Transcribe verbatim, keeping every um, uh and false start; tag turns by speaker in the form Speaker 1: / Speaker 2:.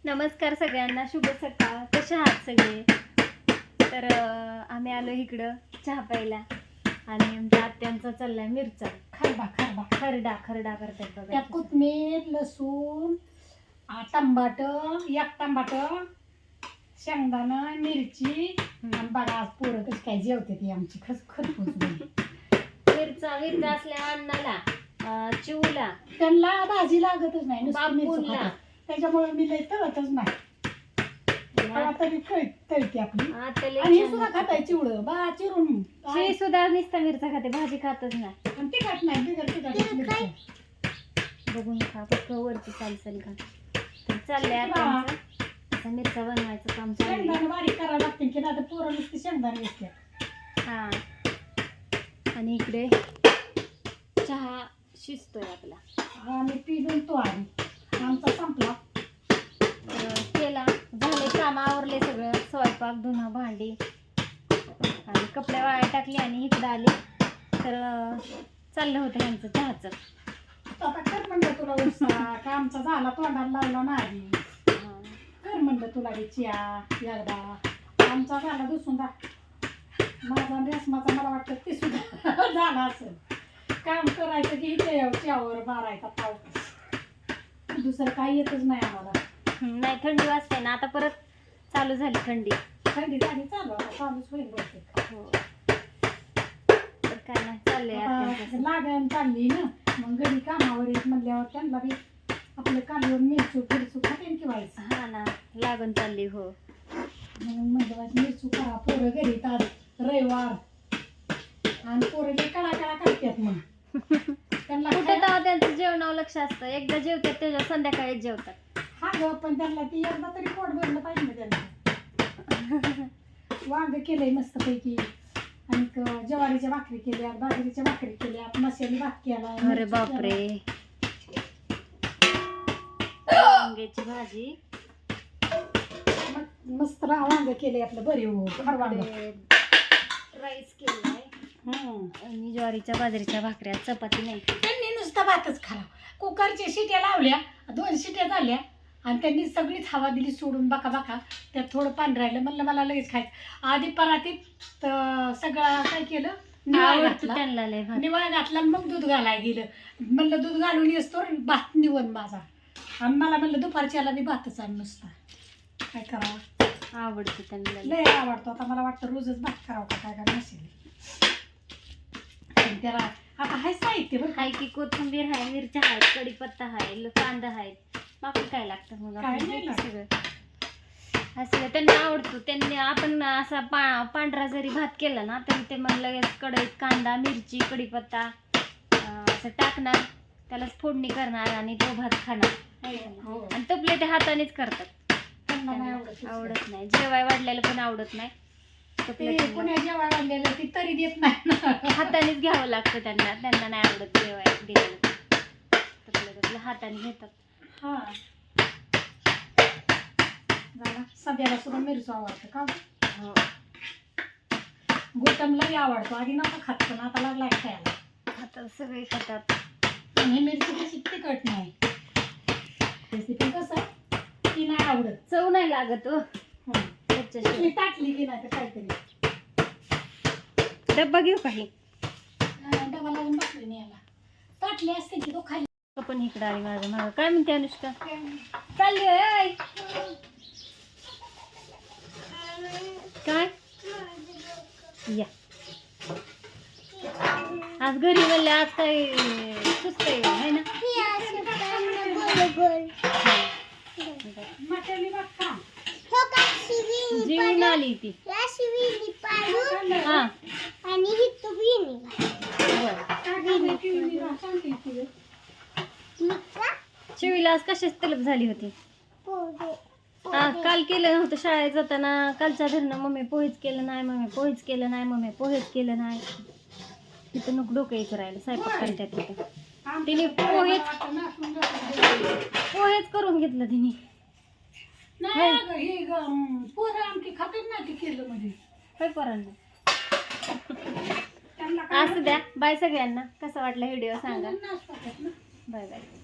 Speaker 1: नमस्कार सगळ्यांना, शुभ सकाळ. कशा आहात सगळे? तर आम्ही आलो इकडं चहा प्यायला आणि आमच्या आत्यांचा चाललाय मिरचा
Speaker 2: खरडा खरडा
Speaker 1: खरडा खरडा करतात बघा.
Speaker 2: त्यात कोथमीर, लसूण, टमाट, एक टमाट, शेंगदाणा, मिरची आणि बघा आज पोरं कशी काय जेवते ती आमची खस खरपूस
Speaker 1: मिरचा मिरचा असल्या अन्नाला, चिवला,
Speaker 2: त्यांना भाजी लागतच नाही, नुसतं मिरची
Speaker 1: बापूला.
Speaker 2: खातात. त्याच्यामुळे मी लई तळतच नाही. तरी तळते आपली
Speaker 1: आत्याला
Speaker 2: आणि हे सुद्धा खाताय चिवळं बा चिरून
Speaker 1: हे सुद्धा नुसता मिरचा खाते, भाजी खातच नाही.
Speaker 2: आणि तिखट नाही बिगर तिखट मिरची.
Speaker 1: बघून खा फक्त वरती चालसल खा. तर चाललंय आता आता मिरचा बनवायचं काम चाललंय.
Speaker 2: शेंगदाणे बारीक करावं लागते की नाही तर पोरं नुसते शेंगदाणे दिसते.
Speaker 1: हा आणि इकडे चहा शिजतोय आपला.
Speaker 2: आम्ही पिलून तो आम्ही आमचा संपला.
Speaker 1: तर केला झाले, काम आवरले सगळं, स्वयंपाक, धुणं, भांडी आणि कपडे वाळायला टाकली आणि इकडं आली. तर चाललं होतं ह्यांचं चहाचं.
Speaker 2: आता कर म्हणलं तुला उसा का आमचा झाला तोंडाला लावला नाही. कर म्हणलं तुला हे चिया एकदा आमचा झाला दुसुंदा माझा रेसमाचा मला वाटतं ते सुद्धा झाला असेल. काम करायचं की इथे चियावर मारायचा पाव, दुसरं काही येतच नाही आम्हाला.
Speaker 1: नाही थंडी वाजते ना, आता परत चालू झाली थंडी.
Speaker 2: थंडी झाली चालू आता चालूच होईल बहुतेक.
Speaker 1: हो तर काय नाही चाललंय
Speaker 2: आता लागण चालली ना, मग घरी कामावर येत म्हणल्यावर त्यांना बी आपलं कामावर मिरचू फिरचू खातेन की व्हायचं.
Speaker 1: हा ना, लागून चालली. हो
Speaker 2: म्हणून म्हणलं मिरचू करा, पोरं घरी येतात रविवार आणि पोरं जे कडा कडा करतात मग त्यांना
Speaker 1: कुठं तेव्हा त्यांचं जेवणावर लक्ष असतं. एकदा जेवतात त्याच्या संध्याकाळीच जेवतात.
Speaker 2: हा ग पण त्यांना ती एकदा तरी पोट भरलं पाहिजे ना त्यांना. वांग केलंय मस्तपैकी आणि ज्वारीच्या भाकरी केल्या, बाजरीच्या भाकरी केल्या, मसाली भात केला.
Speaker 1: अरे बापरे, वांग्याची भाजी,
Speaker 2: मस्त वांग केले आपलं बरे हो वांग,
Speaker 1: राईस केलाय आणि ज्वारीच्या बाजरीच्या भाकऱ्या, चपाती नाही.
Speaker 2: त्यांनी नुसता भातच खाला. कुकरच्या शिट्या लावल्या, दोन शिट्या झाल्या आणि त्यांनी सगळीच हवा दिली सोडून बाका बाका. त्यात थोडं पाणी राहिलं, म्हणलं मला लगेच खायचं. आधी परातीत सगळं काय केलं, निवाळ घातला
Speaker 1: त्यांना लय भात
Speaker 2: निवाळ घातला आणि मग दूध घालायला गेलं. म्हणलं दूध घालून येतो भात निवण माझा. आणि मला म्हणलं दुपारच्याला बी भातच आण नुसता. काय करावं,
Speaker 1: आवडतं त्यांना
Speaker 2: लय आवडतो. आता मला वाटतं रोजच भात करावं का काय काय नसेल. त्याला आता हाय साहित्य बरं
Speaker 1: हाय की कोथिंबीर आहे, मिरच्या आहेत, कढीपत्ता आहे, कांदा आहेत, बाकी काय लागतं मग
Speaker 2: काय नाही लागत.
Speaker 1: सगळं असं त्यांना आवडतो. त्यांनी आपण असा पा पांढरा जरी भात केला ना तरी ते मग लगेच कढईत कांदा, मिरची, कढीपत्ता असं टाकणार, त्यालाच फोडणी करणार आणि तो भात खाणार. आणि तपले ते हातानेच करतात. आवडत नाही, जेवाय वाढलेलं पण आवडत नाही.
Speaker 2: पुण्या जेवाय वाढलेलं ती तरी देत नाही,
Speaker 1: हातानेच घ्यावं लागतं त्यांना. त्यांना नाही आवडत जेवाय दिलेलं, तपलं तपलं हाताने घेतात.
Speaker 2: हा झाला. सध्याला सुद्धा मिरची आवडतं का?
Speaker 1: हो
Speaker 2: गोटमलाही आवडतो. आधी नका खात पण आता लागलाय खायला.
Speaker 1: आता सगळे खातात.
Speaker 2: हे मिरची कशी तिखट नाही, रेसिपी कसं ती नाही आवडत,
Speaker 1: चव नाही लागत. हो
Speaker 2: त्याच्याशी टाकली की नाही तर काहीतरी.
Speaker 1: डब्बा घेऊ काही
Speaker 2: डबा लावून बसली नाही याला, टाकली असते की तो खाली.
Speaker 1: पण इकडं आली माझं मागं. काय म्हणते अनुष्का? चालली होय काय? या आज घरी म्हणले, आज काय सुस्त आहे ना. जीवन आली ती. हा शिवीला आज कशाच तलब झाली होती. हा काल केलं नव्हतं शाळेत जाताना. कालच्या धरणं मम्मी पोहेच केलं नाही, मम्मी पोहेच केलं नाही, मम्मी पोहेच केलं नाही. तिथं नको डोकं यायचं राहिलं स्वयंपाक करतात तिथं. तिने पोहेच पोहेच करून घेतलं तिने.
Speaker 2: पोरं आमची खातात ना ते केलं म्हणजे
Speaker 1: काय पोरांना. असू द्या. बाय सगळ्यांना. कसा वाटला व्हिडिओ सांगा. Bye bye.